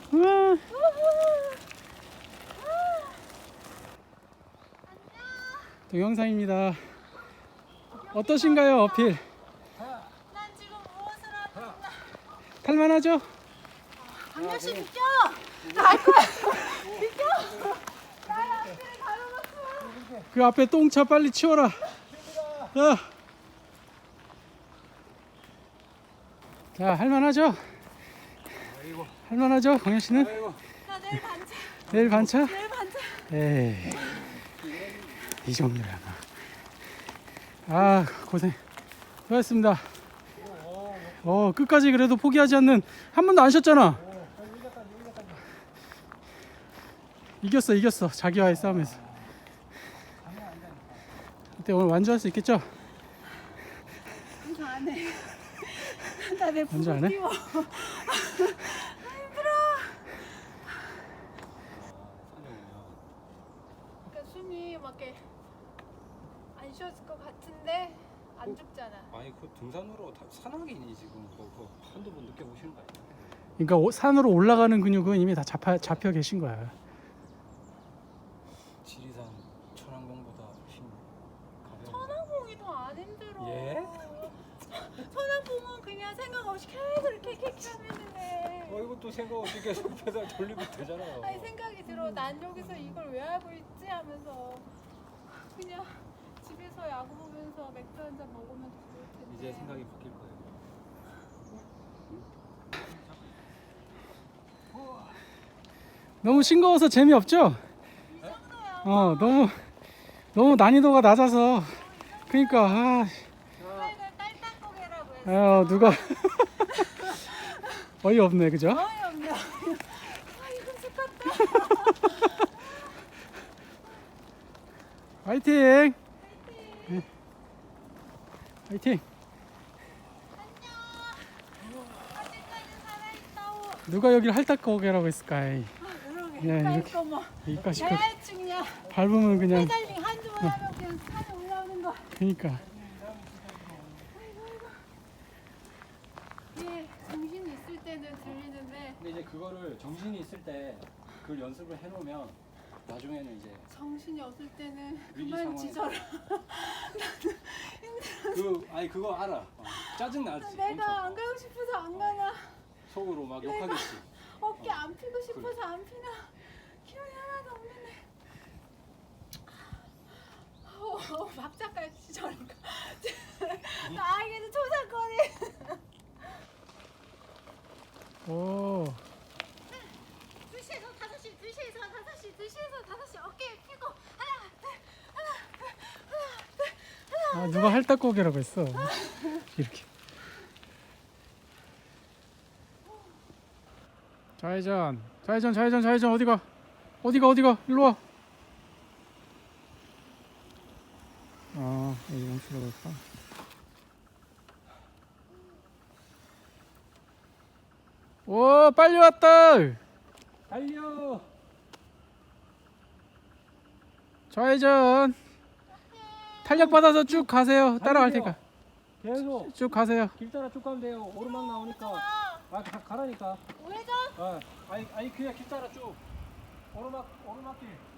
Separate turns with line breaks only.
우와. 동영상입니다. 어떠신가요, 어필?
난 지금 무엇을 하고 있나?
탈만하죠?
강렬씨 비켜! 나 알 거야! 비켜! 나의 앞길을 가로막지
그 앞에 똥차 빨리 치워라. 자, 할만하죠? 할만하죠, 광현 씨는?
나 내일 반차.
내일 반차?
내일 반차.
에이, 이 정도야. 아, 고생 수고하셨습니다. 끝까지 그래도 포기하지 않는, 한 번도 안 쉬었잖아. 이겼어 자기와의 싸움에서. 그때 오늘 완주할 수 있겠죠?
완주 안 해. 나 내
완주 안 해?
힘들어. 그러니까 숨이 막 이렇게 안 쉬었을 것 같은데 안 죽잖아.
아니 그 등산으로 다 산악인이 지금 그거 한두 번 느껴보시는 거 아니에요?
그러니까 산으로 올라가는 근육은 이미 다 잡혀 계신 거야.
지리산 천왕봉보다 훨씬 가벼워.
천왕봉이 더 안 힘들어.
예?
천왕봉은 그냥 생각 없이 계속 이렇게 하면 돼.
이것도 생각 없이 계속 페달 돌리고 되잖아요.
아니 생각이 들어. 난 여기서 이걸 왜 하고 있지 하면서 그냥 집에서 야구 보면서 맥주 한 잔 먹으면 좋을 텐데.
이제 생각이 바뀔 거예요.
너무 싱거워서 재미없죠? 너무 난이도가 낮아서. 그러니까
이걸 딸딱고개라고 했어.
누가 어이없네, 그죠?
어이없네. 이거 죽겠다.
화이팅! 화이팅!
아직까지 살아있다오.
누가 여기를 할딱거게라고 했을까?
그러게.
그냥 이렇게
이거 뭐
여기까지
대충이야.
밟으면 그냥.
페달링 한 주만 하면 그냥 산에 올라오는 거.
그러니까
예, 정신이 있을 때는 들리는데
근데 이제 그거를 정신이 있을 때 그걸 연습을 해놓으면 나중에는 이제
정신이 없을 때는
위기
그만
상황에
지져라.
아니 그거 알아. 짜증 나지.
내가 안 가고 싶어서 안 가나.
속으로 막 욕하겠지.
어깨 안 피고 싶어서 안 피나. 기운이 하나도 없는데. 박자까지 저러니까. 나에게는 초상권이.
오.
2시에서 5시, 2시에서 5시, 2시에서 5시 어깨 피고 하나,
누가 할딱거게라고 했어. 이렇게. 좌회전 어디가 일로 와. 여기 멈추러 갈까? 오, 빨리 왔다.
달려.
좌회전. 탄력 받아서 쭉 가세요. 따라갈 테니까.
계속
쭉 가세요.
길 따라 쭉 가면 돼요. 오르막 나오니까. 가라니까.
우회전?
아니 그냥 길 따라 쭉. 오르막길.